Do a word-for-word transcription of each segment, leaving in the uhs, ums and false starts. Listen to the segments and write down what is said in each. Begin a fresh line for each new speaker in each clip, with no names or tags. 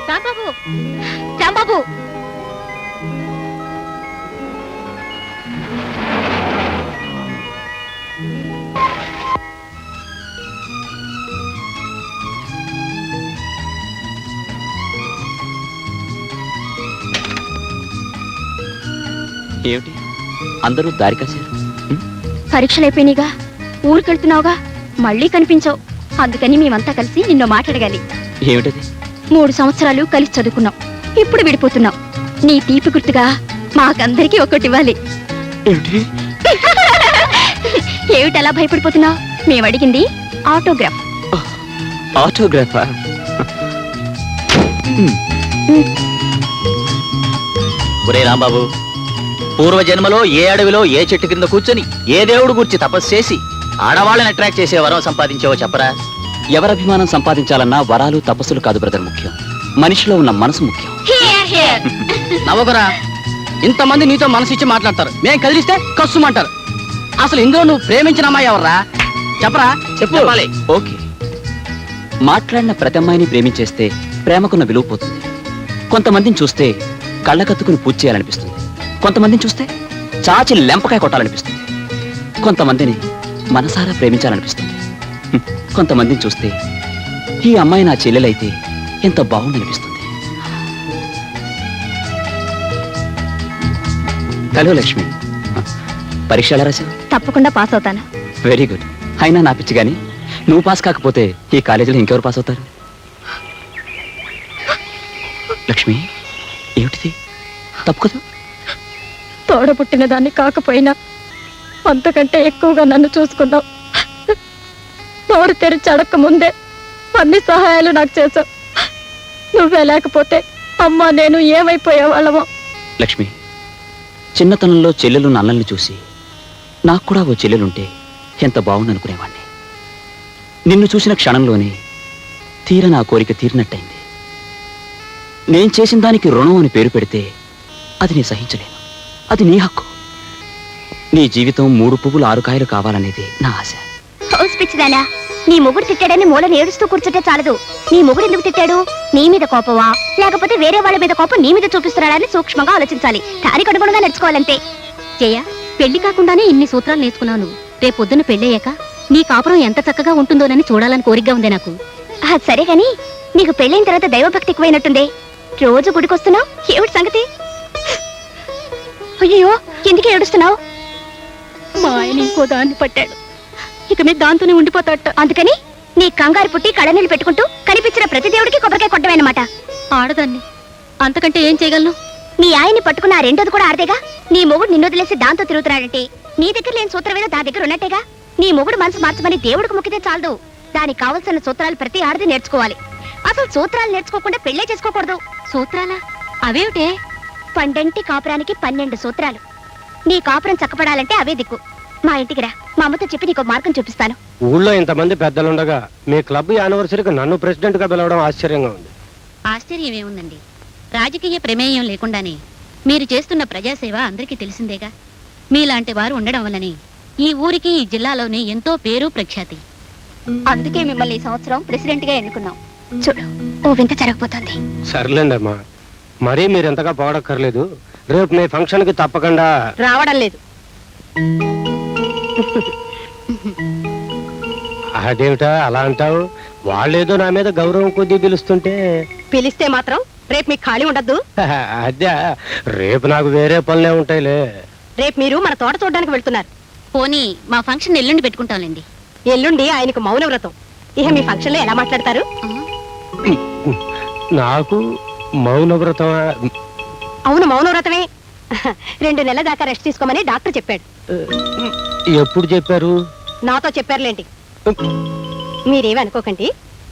రాంబాబు, రాంబాబు,
ఏమిటి అందరూ దారి కాశారు?
పరీక్షలు అయిపోయినాయిగా, ఊరికెళ్తున్నావుగా, మళ్ళీ కనిపించవు. అందుకని మేమంతా కలిసి నిన్ను మాట్లాడగాలి.
ఏమిటది?
మూడు సంవత్సరాలు కలిసి చదువుకున్నాం, ఇప్పుడు విడిపోతున్నాం. నీ తీపి గుర్తుగా మాకందరికీ ఒక్కటి ఇవ్వాలి.
ఏమిటి
ఏమిటి అలా భయపడిపోతున్నావు? మేము అడిగింది ఆటోగ్రాఫ్.
ఆటోగ్రాఫా? ఒరే రాంబాబు, పూర్వజన్మలో ఏ అడవిలో ఏ చెట్టు కింద కూర్చొని ఏ దేవుడు గురించి తపస్సు చేసి ఆడవాళ్ళని అట్రాక్ట్ చేసే వరం సంపాదించావో చెప్పరా? ఎవరభిమానం సంపాదించాలన్నా వరాలు తపస్సులు కాదు బ్రదర్ ముఖ్యం, మనిషిలో ఉన్న మనసు ముఖ్యం.
నవ్వకురా, ఇంతమంది నీతో మనసు ఇచ్చి మాట్లాడతారు, మేము కదిలిస్తే కస్సుమంటారు. అసలు ఇందులో నువ్వు ప్రేమించిన అమ్మాయి ఎవర్రా? చెప్పరా, చెప్పు.
ఓకే, మాట్లాడిన ప్రతి అమ్మాయిని ప్రేమించేస్తే ప్రేమకున్న విలువ పోతుంది. కొంతమందిని చూస్తే కళ్ళకత్తుకుని పూజ చేయాలనిపిస్తుంది, కొంతమందిని చూస్తే చాచి లెంపకాయ కొట్టాలనిపిస్తుంది, కొంతమందిని మనసారా ప్రేమించాలనిపిస్తుంది, కొంతమందిని చూస్తే ఈ అమ్మాయి నా చెల్లెలైతే ఎంత బాగుందనిపిస్తుంది. హలో లక్ష్మి, పరీక్ష ఎలా రాశావు?
తప్పకుండా పాస్ అవుతాను.
Very good. అయినా నా పిచ్చి కానీ నువ్వు పాస్ కాకపోతే ఈ కాలేజీలో ఇంకెవరు పాస్ అవుతారు? లక్ష్మి, ఏమిటిది? తప్పు కదా?
తోడబుట్టిన దాన్ని కాకపోయినా అంతకంటే ఎక్కువగా నన్ను చూసుకున్నావు. నోరు తెరిచి అడక్క ముందే అన్ని సహాయాలు నాకు చేసావు. నువ్వే లేకపోతే అమ్మ నేను ఏమైపోయేవాళ్ళమో.
లక్ష్మి, చిన్నతనంలో చెల్లెలు నన్నల్ని చూసి నాకు కూడా ఓ చెల్లెలుంటే ఎంత బాగుందనుకునేవాణ్ణి. నిన్ను చూసిన క్షణంలోనే తీర నా కోరిక తీరినట్టయింది. నేను చేసిన దానికి రుణం అని పేరు పెడితే అది నీ సహించలేను, అది నీ హక్కు. నీ జీవితం మూడు పువ్వులు ఆరు కాయలు కావాలనేది నా ఆశ.
పిచ్చిదానా, నీ మొగుడు తిట్టాడని మూలని ఏడుస్తూ కూర్చుంటే చాలదు. నీ మొగుడు ఎందుకు తిట్టాడు? నీ మీద కోపమా, లేకపోతే వేరే వాళ్ళ మీద కోపం నీ మీద చూపిస్తున్నాడని సూక్ష్మంగా ఆలోచించాలి. దానికి అనుగుణంగా నడుచుకోవాలంతే. జయ, పెళ్లి కాకుండానే ఇన్ని సూత్రాలు నేర్చుకున్నాను. రేపొద్దున పెళ్ళయ్యాక నీ కాపురం ఎంత చక్కగా ఉంటుందోనని చూడాలని కోరికగా ఉంది నాకు. సరే గాని నీకు పెళ్ళైన తర్వాత దైవభక్తి ఎక్కువైనట్టుందే. రోజు గుడికొస్తున్నావు, ఏమిటి సంగతి? అయ్యో, ఎందుకే ఏడుస్తున్నావు? మా ఆయన ఇంకో దాన్ని పట్టాడు, ఇక మీద దాంతోనే ఉండిపోతాట. అందుకని నీ కంగారు పుట్టి కళ్ళనీళ్ళు పెట్టుకుంటూ కనిపించిన ప్రతి దేవుడికి కొబ్బరికాయ కొట్టమన్నమాట. ఆడదాన్ని, అంతకంటే ఏం చేయగలను? నీ ఆయన్ని పట్టుకున్న ఆ రెండోది కూడా ఆడదేగా. నీ మొగుడు నిన్ను వదిలేసి దాంతో తిరుగుతున్నాడంటే నీ దగ్గర లేని సూత్రమేదో దా దగ్గర ఉన్నట్టేగా. నీ మొగుడు మనసు మార్చమని దేవుడికి మొక్కితే చాలదు. దానికి కావలసిన సూత్రాలు ప్రతి ఆడది నేర్చుకోవాలి. అసలు సూత్రాలు నేర్చుకోకుండా పెళ్లే చేసుకోకూడదు. సూత్రాలా? అవేమిటే? పండంటి కాపురానికి పన్నెండు సూత్రాలు. నీ కాపురం చక్కపడాలంటే అవే దిక్కు. మా ఇంటికి రా, మా అమ్మతో చెప్పి నీకు మార్గం చూపిస్తాను.
ఊళ్ళో ఇంతమంది పెద్దలుండగా మీ క్లబ్ యానివర్సరీకి నన్ను ప్రెసిడెంట్ గా పిలవడం ఆశ్చర్యంగా ఉంది.
ఆశ్చర్యం ఏముందండి, రాజకీయ ప్రమేయం లేకుండానే మీరు చేస్తున్న ప్రజాసేవ అందరికీ తెలిసిందేగా. మీలాంటి వారు ఉండడం వల్లనే ఈ ఊరికి ఈ జిల్లాలోనే ఎంతో పేరు ప్రఖ్యాతి.
అందుకే మిమ్మల్ని ఈ సంవత్సరం ప్రెసిడెంట్ గా ఎన్నుకున్నాం. చూడు, ఓ వింత జరగబోతోంది.
సర్లేండి అమ్మా, మరీ మీరు ఎంతగా పోవడక్కర్లేదు. రేపు మీ ఫంక్షన్ కి తప్పకుండా
రావడం లేదు.
అదేమిటా అలా అంటావు? వాళ్ళేదో నా మీద గౌరవం కొద్దీ పిలుస్తుంటే.
పిలిస్తే మాత్రం రేపు మీకు ఖాళీ ఉండద్దు.
అదే, రేపు నాకు వేరే పనులే ఉంటాయిలే.
రేపు మీరు మన తోట చూడడానికి వెళ్తున్నారు.
పోనీ మా ఫంక్షన్ ఎల్లుండి పెట్టుకుంటాంలేండి.
ఎల్లుండి ఆయనకు మౌన వ్రతం. ఇక మీ ఫంక్షన్ లో ఎలా మాట్లాడతారు?
నాకు మౌన వ్రతం?
అవును, మౌన వ్రతమే. రెండు నెలల దాకా రెస్ట్ తీసుకోమని డాక్టర్ చెప్పాడు.
ఎప్పుడు చెప్పారు?
నాతో చెప్పారులేండి. మీరేమి అనుకోకండి.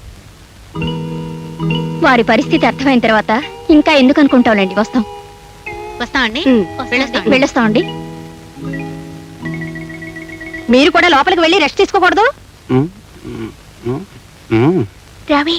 వారి పరిస్థితి అర్థమైన తర్వాత ఇంకా ఎందుకు అనుకుంటాంలేండి. వస్తాం.
వస్తామండి,
వెళ్ళొస్తామండి. మీరు కూడా లోపలికి వెళ్ళి రెస్ట్ తీసుకోకూడదు. రవి,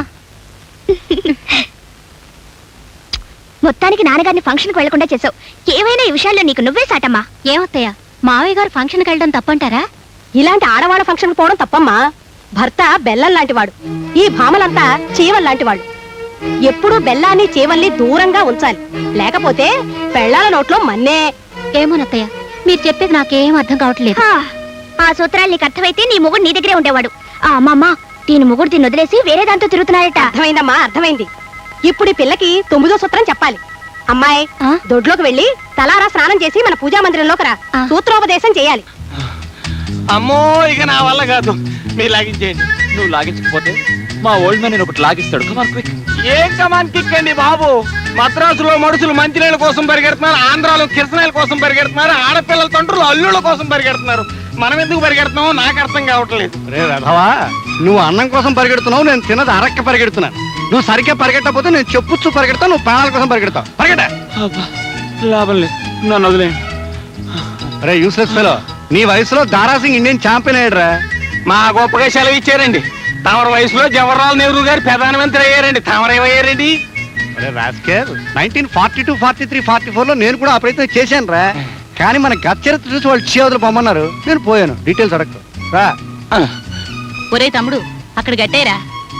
మొత్తానికి నాన్నగారిని ఫంక్షన్కి వెళ్లకుండా చేసావు. ఏమైనా ఈ విషయాల్లో నీకు నువ్వే సాటమ్మా.
ఏమత్తయ్యా, మావయ్య గారు ఫంక్షన్కి వెళ్ళడం తప్పంటారా?
ఇలాంటి ఆడవాళ్ళ ఫంక్షన్కి పోవడం తప్పమ్మా. భర్త బెల్లం లాంటి వాడు, ఈ భామలంతా చీవల్ లాంటి వాడు. ఎప్పుడూ బెల్లాన్ని చేవల్ని దూరంగా ఉంచాలి, లేకపోతే పెళ్ళాల నోట్లో మన్నే.
ఏమోనత్తయ్య, మీరు చెప్పేది నాకేం అర్థం కావట్లేదు.
ఆ సూత్రాలు నీకు అర్థమైతే నీ మొగుడు నీ దగ్గరే ఉండేవాడు. ఆ అమ్మమ్మ దీని మొగుడు దీన్ని వదిలేసి వేరే దాంతో తిరుగుతున్నాడట. అర్థమైందమ్మా, అర్థమైంది. ఇప్పుడు ఈ పిల్లకి తొమ్మిదో సూత్రం చెప్పాలి. అమ్మాయి,
ఆ?
దొడ్లోకి వెళ్ళి తలారా స్నానం చేసి మన పూజా మందిరంలోకి రా.
ఆ.
సూత్రోపదేశం చేయాలి.
అమ్మో ఇక నా వల్ల కాదు, మీరు లాగించేయండి.
నువ్వు లాగించకపోతే మా ఓల్డ్ మ్యాన్ నేను ఒకటి లాగిస్తాడు. Come on quick.
ఏం కమాన్ కిక్కండి బాబు. మద్రాసులో మనుషులు మంచినీళ్ళ కోసం పరిగెడుతున్నారు, ఆంధ్రాలో కిరసనాయల కోసం పరిగెడుతున్నారు, ఆడపిల్లల తండ్రులు అల్లుళ్ళ కోసం పరిగెడుతున్నారు. మనం ఎందుకు పరిగెడుతున్నామో నాకు అర్థం కావట్లేదు. రే రథవా, నువ్వు అన్నం కోసం పరిగెడుతున్నావు, నేను తిన్నది అరక్క పరిగెడుతున్నాను. నువ్వు సరిగ్గా పరిగెట్టకపోతే నేను చెప్పుచ్చు పరిగెడతావు, నువ్వు ప్రాణాల కోసం పరిగెడతావు. పరిగెట.
లాభం లేదు, నన్ను వదిలేయండి.
రే యూస్లెస్ ఫెలో, నీ వయసులో దారాసింగ్ ఇండియన్ ఛాంపియన్ అయ్యాడురా. మా గొప్పగా సెలవు ఇచ్చారండి. తమరి వయసులో జవహర్లాల్ నెహ్రూ గారు ప్రధానమంత్రి అయ్యారండి, తమరేమయ్యారండి? Nineteen forty two forty three forty four లో నేను కూడా ఆ ప్రయత్నం చేశాను రా. కానీ మన గత చరిత్ర చూసి వాళ్ళు చేవదులు పొమ్మన్నారు, నేను పోయాను. డీటెయిల్స్ అడగదు రా.
ఒరే తమ్ముడు, అక్కడ గట్టేరా.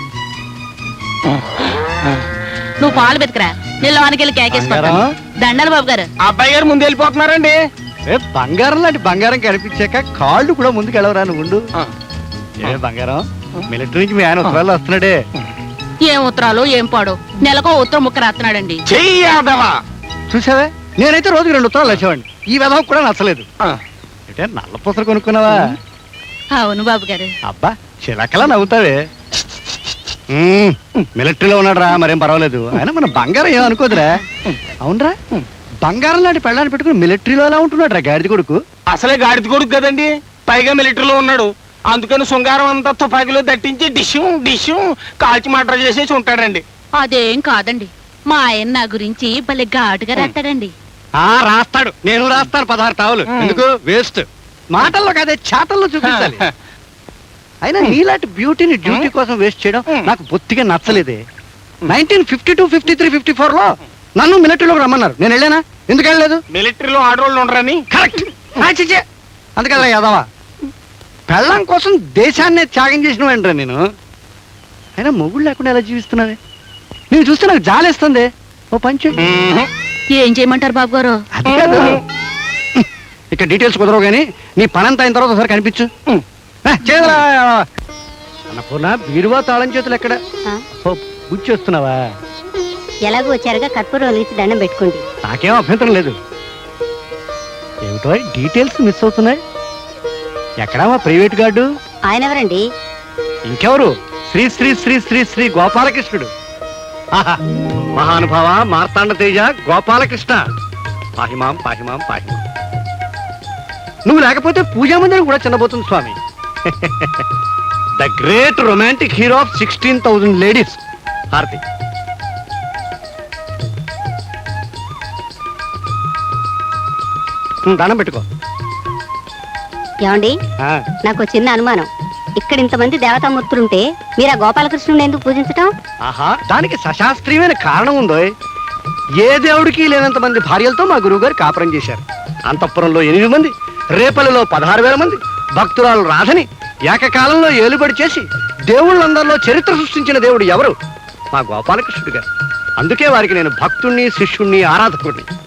నువ్వు పాలు బతికరా, నేను లోనికి కేకేసుకుంటాను.
బంగారం?
దండాలి బాబు గారు.
అబ్బాయి గారు ముందు వెళ్ళిపోతున్నారండి. ఏ బంగారం లాంటి బంగారం కనిపించాక కాళ్ళు కూడా ముందుకు వెళ్ళవరా నువ్వు. ఏ బంగారం, మిలిటరీ నుంచి మీ ఆయన ఉత్తరాలు వస్తున్నాడే.
ఏం ఉత్తరాలు ఏం పాడు, నెలకో ఉత్తరం ముక్క రాస్తున్నాడండి.
చెయ్యాదవా చూసావే, నేనైతే రోజుకి రెండు ఉత్తరాలు వచ్చేవాడిని. ఈ విధం కూడా నచ్చలేదు. అంటే నల్ల పూసలు కొనుక్కున్నావా?
అవును బాబు గారు.
అబ్బా చిలకలా నవ్వుతావే. మ్మ్, మిలిటరీలో ఉన్నాడు రా, మరేం పర్వాలేదు. ఆయన మన బంగారం ఏమనుకోదురా. అవునరా, బంగారం లాంటి పెళ్ళాన్ని పెట్టుకుని మిలిటరీలో ఎలా ఉంటున్నాడు రా గాడిద కొడుకు. అసలే గాడిద కొడుకు కదండి, పైగా మిలిటరీలో ఉన్నాడు. అందుకని శృంగారం అంతా తుపాకీలో దట్టించి డిషు డిషు కాల్చి మటర్ చేసేసి ఉంటాడండి.
అదేం కాదండి, మా ఆయన నా గురించి భలే ఘాటుగా రాస్తాడండి.
ఆ రాస్తాడు, నేను రాస్తాను పదహారు టావులు. ఎందుకు వేస్ట్, మాటల్లో కాదే చాటల్లో చూపించాలి. అయినా నీలాంటి బ్యూటీని డ్యూటీ కోసం వేస్ట్ చేయడం నాకు బొత్తిగా నచ్చలేదే. Nineteen fifty two fifty three fifty four లో నన్ను మిలిటరీలోకి రమ్మన్నారు, నేను వెళ్ళానా? ఎందుకు వెళ్ళలేదు? మిలిటరీలో ఆడవాళ్ళు ఉండరని. కరెక్ట్. అందుకల్లా యాదవా, పెళ్ళం కోసం దేశాన్నే త్యాగం చేసిన వెంటరా నేను. అయినా మొగుడు లేకుండా ఎలా జీవిస్తున్నావే? నేను చూస్తే నాకు జాలేస్తుంది. ఓ పంచు.
ఏం చేయమంటారు బాబు గారు?
అది కాదు, ఇక్కడ డీటెయిల్స్ కుదరవు కానీ నీ పనంతా అయిన తర్వాత ఒకసారి కనిపించు. చేదరా అన్నపూర్ణ, బీరువా తాళం చేతులు ఎక్కడ? బుచ్చి వస్తున్నావా?
ఎలాగో వచ్చారుగా కర్పూరం వెలిగించి దండం పెట్టుకోండి.
నాకేం అభ్యంతరం లేదు. ఏమిటో డీటెయిల్స్ మిస్ అవుతున్నాయి. ఎక్కడా మా ప్రైవేట్ గార్డు?
ఆయన ఎవరండి?
ఇంకెవరు? శ్రీ శ్రీ శ్రీ శ్రీ శ్రీ గోపాలకృష్ణుడు. ఆహా, మహానుభావ మార్తాండ తేజ గోపాలకృష్ణ, పాహిమాం పాహిమాం పాహిమాం. నువ్వు లేకపోతే పూజా మందిరం కూడా చిన్నబోతుంది స్వామి. The great romantic hero of sixteen thousand ladies. హారతి. దానం పెట్టుకో.
ఏమండి,
ఆ,
నాకు చిన్న అనుమానం. ఇక్కడ ఇంతమంది దేవతామూర్తులుంటే మీరు ఆ గోపాలకృష్ణుని ఎందుకు పూజించటం?
ఆహా, దానికి సశాస్త్రీయమైన కారణం ఉందో. ఏ దేవుడికి లేనంత మంది భార్యలతో మా గురువు గారు కాపురం చేశారు. అంతఃపురంలో ఎనిమిది మంది, రేపల్లిలో పదహారు వేల మంది భక్తురాలు రాధని ఏకకాలంలో ఏలుబడి చేసి దేవుళ్ళందరిలో చరిత్ర సృష్టించిన దేవుడు ఎవరు? మా గోపాలకృష్ణుడు గారు. అందుకే వారికి నేను భక్తుణ్ణి, శిష్యుణ్ణి, ఆరాధకుడిని.